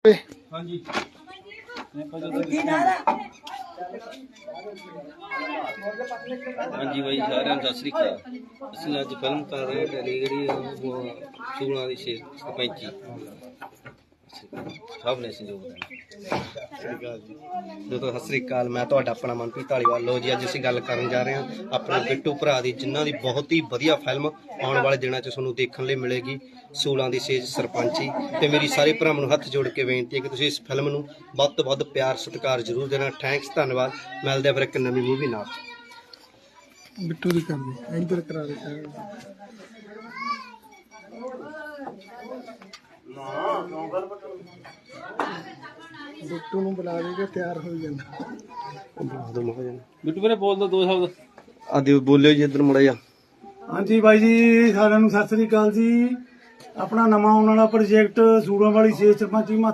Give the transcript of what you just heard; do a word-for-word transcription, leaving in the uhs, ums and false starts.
हाँ जी हाँ जी भाई सारे सत श्री अकाल। असं अज फिल्म कर रहे हैं जी सूलों की छे सरपंची सब ने दोस्तों सत श्री अकाल। मैं तो अपना मनप्रीत धालीवाल। लो जी अज असीं गल करन जा रहे हैं अपने बिट्टू भरा दी जिन्हां दी बहुत ही वधिया फिल्म आने वाले दिनों च तुहानूं देखण लई मिलेगी सूलों की सेज सरपंची। ते मेरी सारे भरावां नूं हत्थ जोड़ के बेनती है कि तुसीं इस फिल्म नूं वध तो वध प्यार सत्कार जरूर देना। थैंक्स धन्नवाद। मिलदे आ फिर एक नवीं मूवी नाल। बिट्टू दी कर दे इधर करा दे बिट्टू नूं बुला दे के तैयार हो जांदा। बिट्टू मेरे बोल दो दो शब्द आदि बोलियो जी इधर मुड़ा जा। हाँ जी भाई जी सारिਆਂ ਨੂੰ सत श्री अकाल जी। अपना नवा आने वाला प्रोजेक्ट सूलों वाली सेज सरपंची